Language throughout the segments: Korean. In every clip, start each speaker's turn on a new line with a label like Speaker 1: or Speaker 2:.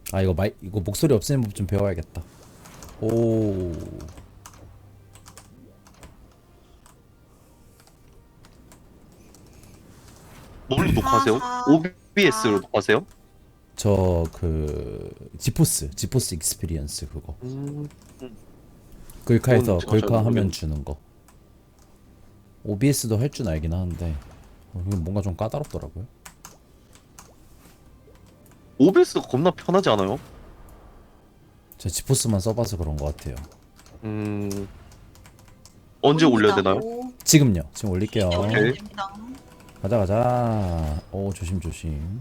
Speaker 1: 아 이거 목소리 없애는 법 좀 배워야겠다. 오.
Speaker 2: 뭘로 녹화하세요?
Speaker 3: 4,
Speaker 2: OBS로 녹화하세요?
Speaker 1: 저 그 지포스 익스피리언스 그거.
Speaker 2: 음,
Speaker 1: 글카에서
Speaker 2: 그건 제가 잘
Speaker 1: 글카 하면
Speaker 2: 모르겠네.
Speaker 1: 주는 거. OBS도 할 줄 알긴 하는데 이건 뭔가 좀 까다롭더라고요.
Speaker 2: OBS가 겁나 편하지 않아요?
Speaker 1: 제가 지포스만 써봐서 그런 것 같아요.
Speaker 2: 음, 언제 올려야 되나요?
Speaker 1: 지금요. 지금 올릴게요.
Speaker 3: 네,
Speaker 2: 오케이.
Speaker 3: 올리면 됩니다.
Speaker 1: 가자 가자. 오 조심 조심.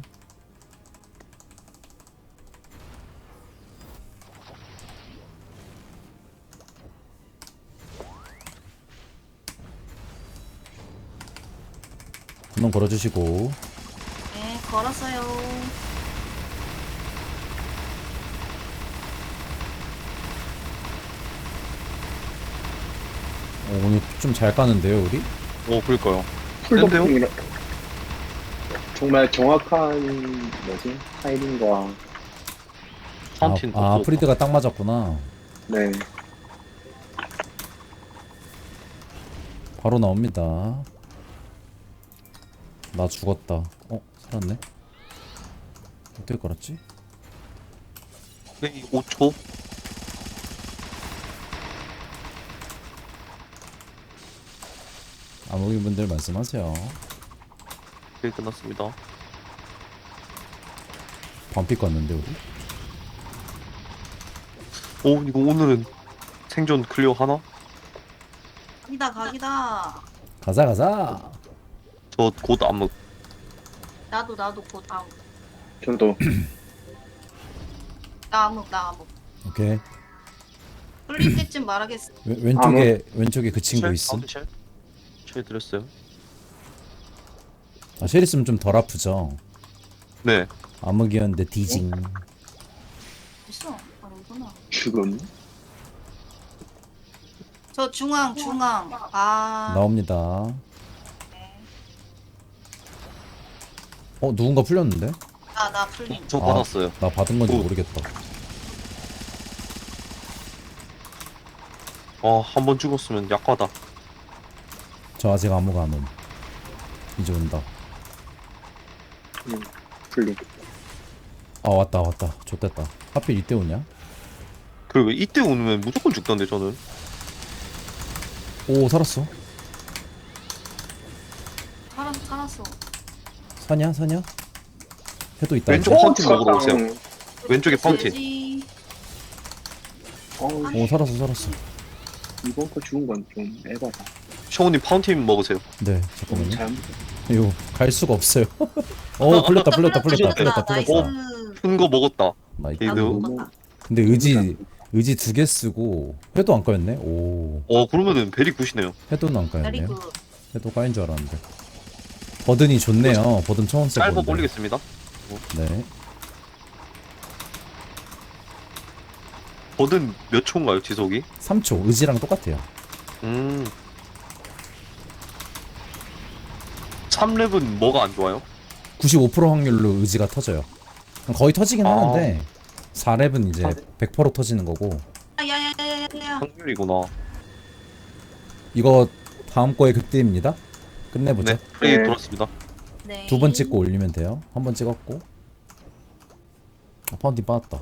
Speaker 1: 한번 걸어주시고.
Speaker 3: 네, 걸었어요.
Speaker 1: 오늘 좀 잘 까는데요 우리?
Speaker 2: 그러니까요.
Speaker 4: 풀도핑이라 정말 정확한 뭐지? 타이밍과
Speaker 2: 파운틴
Speaker 1: 아
Speaker 2: 또
Speaker 1: 프리드가 딱 맞았구나.
Speaker 4: 네
Speaker 1: 바로 나옵니다. 나 죽었다. 살았네. 어떻게 걸었지?
Speaker 2: 플레이 5초.
Speaker 1: 아무분들 말씀하세요.
Speaker 2: 네, 끝났습니다.
Speaker 1: 반피 껐는데 우리?
Speaker 2: 이거 오늘은 생존 클리어 하나?
Speaker 3: 각이다, 각이다.
Speaker 1: 가자 가자.
Speaker 2: 저 곧 암흑.
Speaker 3: 나도 곧 암흑.
Speaker 4: 저도
Speaker 3: 나 암흑, 나 암흑.
Speaker 1: 오케이.
Speaker 3: 뚫릴 때쯤 말하겠어.
Speaker 1: 왼쪽에 그 친구 있음.
Speaker 2: 쉘 드렸어요.
Speaker 1: 아 쉘 있으면 좀 덜 아프죠.
Speaker 2: 네.
Speaker 1: 암흑이었는데 디징.
Speaker 3: 있어. 아니구나.
Speaker 4: 죽음
Speaker 3: 저 중앙. 아.
Speaker 1: 나옵니다.
Speaker 3: 네.
Speaker 1: 누군가 풀렸는데?
Speaker 3: 나 풀림.
Speaker 2: 저
Speaker 1: 아.
Speaker 2: 받았어요.
Speaker 1: 나 받은 건지
Speaker 2: 오.
Speaker 1: 모르겠다.
Speaker 2: 한 번 죽었으면 약하다.
Speaker 1: 저 아직 아무가 안 옴. 이제 온다.
Speaker 4: 풀림
Speaker 1: 아 왔다. 좋됐다. 하필 이때 오냐?
Speaker 2: 그리고 이때 오면 무조건 죽던데 저는.
Speaker 1: 오 살았어.
Speaker 3: 살았어.
Speaker 1: 사냐? 해도 있다.
Speaker 2: 왼쪽
Speaker 1: 이제.
Speaker 2: 파운틴 먹으러 오세요. 왼쪽에 파운틴.
Speaker 3: 돼지.
Speaker 1: 오 살았어.
Speaker 4: 이번 거 죽은 건 좀 에바다
Speaker 2: 셔우님 파운틴 먹으세요.
Speaker 1: 네 잠깐만요.
Speaker 4: 잘못
Speaker 1: 이거 갈 수가 없어요. 풀렸다.
Speaker 3: 나이스.
Speaker 2: 큰 거 먹었다.
Speaker 1: 나이스.
Speaker 2: 얘도.
Speaker 3: 나도
Speaker 4: 너무
Speaker 3: 먹었다.
Speaker 1: 근데 의지 2개 쓰고 회도 안 까였네. 오
Speaker 2: 그러면은 베리 굿이네요.
Speaker 1: 회도는 안
Speaker 3: 베리
Speaker 1: 까였네요.
Speaker 3: 굿.
Speaker 1: 회도 까인 줄 알았는데. 버든이 좋네요. 버든 처음
Speaker 2: 쌀법
Speaker 1: 써보는데.
Speaker 2: 올리겠습니다.
Speaker 1: 네.
Speaker 2: 버든 몇 초인가요, 지속이?
Speaker 1: 3초 의지랑 똑같아요.
Speaker 2: 3렙은 뭐가 안 좋아요?
Speaker 1: 95% 확률로 의지가 터져요. 거의 터지긴
Speaker 2: 아.
Speaker 1: 하는데 4렙은 이제 100% 터지는 거고.
Speaker 3: 야야야야야.
Speaker 2: 확률이구나.
Speaker 1: 이거 다음 거에 극대입니다. 끝내보죠.
Speaker 2: 네, 프레이
Speaker 4: 네.
Speaker 2: 돌았습니다.
Speaker 3: 네.
Speaker 1: 2번 찍고 올리면 돼요. 한 번 찍었고. 파운틴 빠졌다.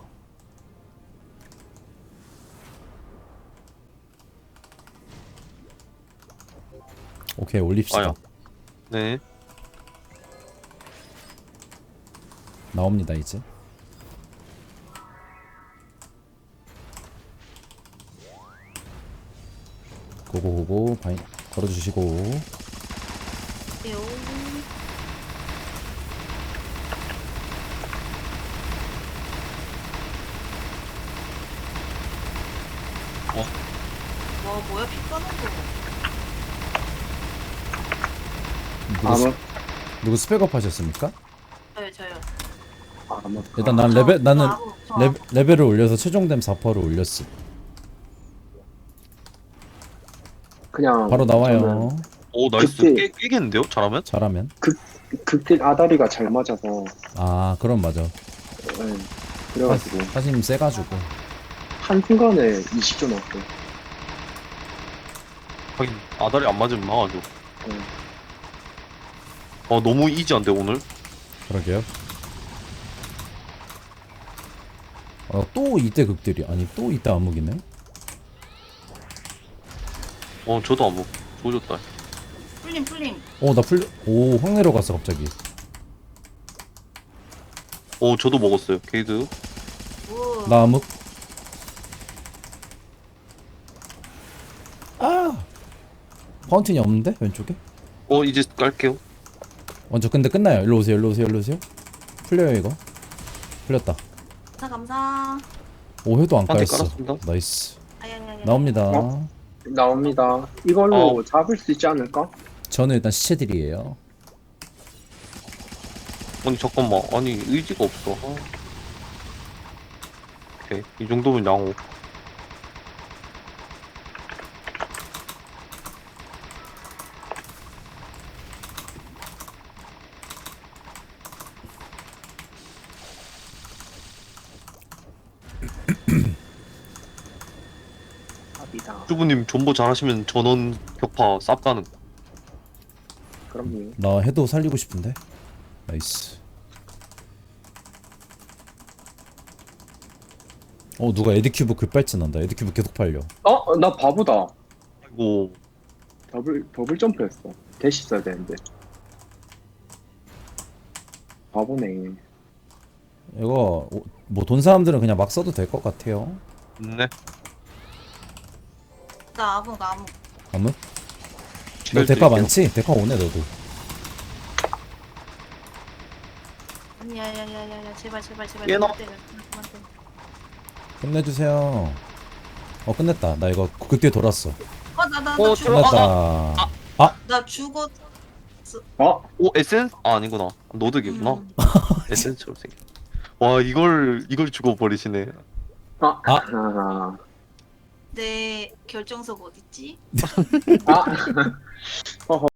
Speaker 1: 오케이 올립시다.
Speaker 2: 아야. 네.
Speaker 1: 나옵니다 이제. 고고 바인 걸어주시고.
Speaker 3: 요. 와 뭐야 피 까는 거.
Speaker 4: 암흑
Speaker 1: 누구 스펙업 하셨습니까?
Speaker 3: 저요.
Speaker 4: 암흑
Speaker 1: 일단 난 나는 레벨을 올려서 최종됨 4%를 올렸어.
Speaker 4: 그냥
Speaker 1: 바로 나와요.
Speaker 4: 저는
Speaker 2: 오, 나이스.
Speaker 4: 그때-
Speaker 2: 깨겠는데요? 잘하면?
Speaker 1: 잘하면.
Speaker 4: 극딜 아다리가 잘 맞아서
Speaker 1: 아 그럼 맞아.
Speaker 4: 네. 그래가지고
Speaker 1: 사장님 세가지고.
Speaker 4: 한순간에 20조 넣었어.
Speaker 2: 하긴 아다리 안 맞으면 망하죠.
Speaker 4: 응.
Speaker 2: 너무 이지한데 오늘?
Speaker 1: 그러게요. 또 이때 극들이 아니 또 이때 암흑이네.
Speaker 2: 저도 안 먹. 조졌다.
Speaker 3: 풀림.
Speaker 1: 나 풀려. 확 내려갔어 갑자기.
Speaker 2: 저도 먹었어요. 게이드.
Speaker 3: 오.
Speaker 1: 나 암흑. 파운틴이 없는데 왼쪽에?
Speaker 2: 이제 깔게요.
Speaker 1: 저 근데 끝나요. 일로 오세요. 풀려요 이거. 풀렸다.
Speaker 3: 감사.
Speaker 1: 회도 안
Speaker 2: 한 대
Speaker 1: 까였어.
Speaker 2: 깔았습니다.
Speaker 1: 나이스.
Speaker 3: 아야야야.
Speaker 1: 나옵니다.
Speaker 4: 어? 나옵니다. 이걸로 잡을 수 있지 않을까?
Speaker 1: 저는 일단 시체들이에요.
Speaker 2: 아니 잠깐만. 아니 의지가 없어. 오케이. 이 정도면 양호.
Speaker 4: 합이다.
Speaker 2: 주부님 존버 잘하시면 전원 격파 쌉 가능.
Speaker 4: 그럼요.
Speaker 1: 나 해도 살리고 싶은데. 나이스. 누가 에드큐브 급발진한다. 에드큐브 계속 팔려.
Speaker 4: 나 바보다.
Speaker 2: 아이고.
Speaker 4: 더블 점프했어. 대시 써야 되는데. 바보네.
Speaker 1: 이거 뭐 돈 사람들은 그냥 막 써도 될 것 같아요.
Speaker 2: 네.
Speaker 3: 나 암흑.
Speaker 1: 아무? 너 대가 많지? 대가 오네 너도.
Speaker 3: 야야야야야 제발.
Speaker 2: 얘너.
Speaker 3: 그만 때려.
Speaker 1: 끝내주세요. 끝냈다. 나 이거 그때 돌았어.
Speaker 3: 나
Speaker 2: 들어-
Speaker 3: 죽었어.
Speaker 1: 끝냈다.
Speaker 3: 나 죽었어.
Speaker 2: 에센스? 아니구나. 노드기구나.
Speaker 3: 음.
Speaker 2: 에센스처럼 생겨. 와 이걸 죽어버리시네.
Speaker 3: 내 결정석 어딨지?
Speaker 4: 아.